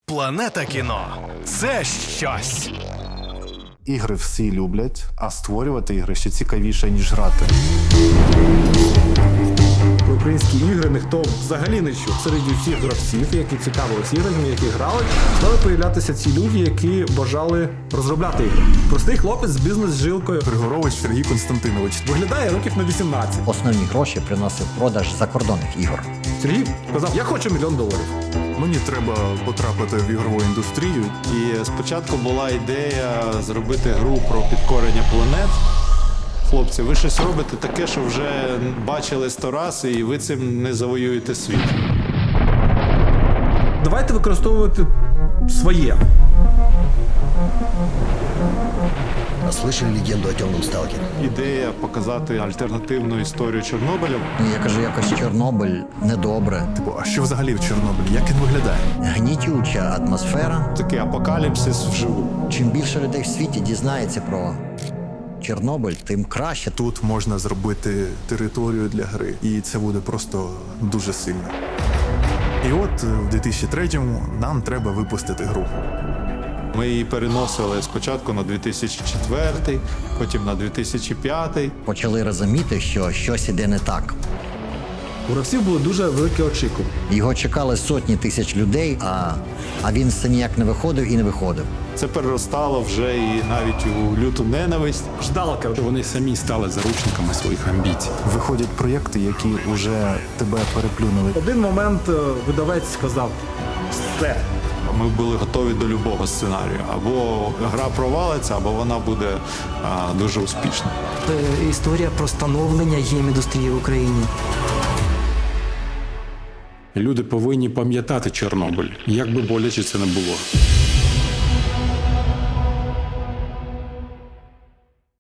Планета кіно – це щось. Ігри всі люблять, а створювати ігри ще цікавіше, ніж грати. Про українські ігри ніхто взагалі не чув. Серед всіх гравців, які цікавились іграми, які грали, стали появлятися ці люди, які бажали розробляти ігри. Простий хлопець з бізнес-жилкою. Григорович Сергій Константинович. Виглядає років на 18. Основні гроші приносив продаж закордонних ігор. Сергій казав, я хочу $1 мільйон. Мені треба потрапити в ігрову індустрію. І спочатку була ідея зробити гру про підкорення планет. Хлопці, ви щось робите таке, що вже бачили 100 раз, і ви цим не завоюєте світ. Давайте використовувати своє. Слышали легенду о темном сталкере? Ідея показати альтернативну історію Чорнобиля. Я кажу, якось Чорнобиль недобре. А що взагалі в Чорнобилі? Як він виглядає? Гнітюча атмосфера. Такий апокаліпсис вживу. Чим більше людей в світі дізнається про Чорнобиль, тим краще. Тут можна зробити територію для гри, і це буде просто дуже сильно. І от в 2003-му нам треба випустити гру. Ми її переносили спочатку на 2004, потім на 2005. Почали розуміти, що щось іде не так. У гравців були дуже великі очікування. Його чекали сотні тисяч людей, а він все ніяк не виходив і не виходив. Це переростало вже і навіть у люту ненависть. Ждалка. Вони самі стали заручниками своїх амбіцій. Виходять проєкти, які вже тебе переплюнули. В один момент видавець сказав, все. Ми були готові до любого сценарію. Або гра провалиться, або вона буде дуже успішна. Історія про становлення гейм-індустрії в Україні. Люди повинні пам'ятати Чорнобиль, як би боляче це не було.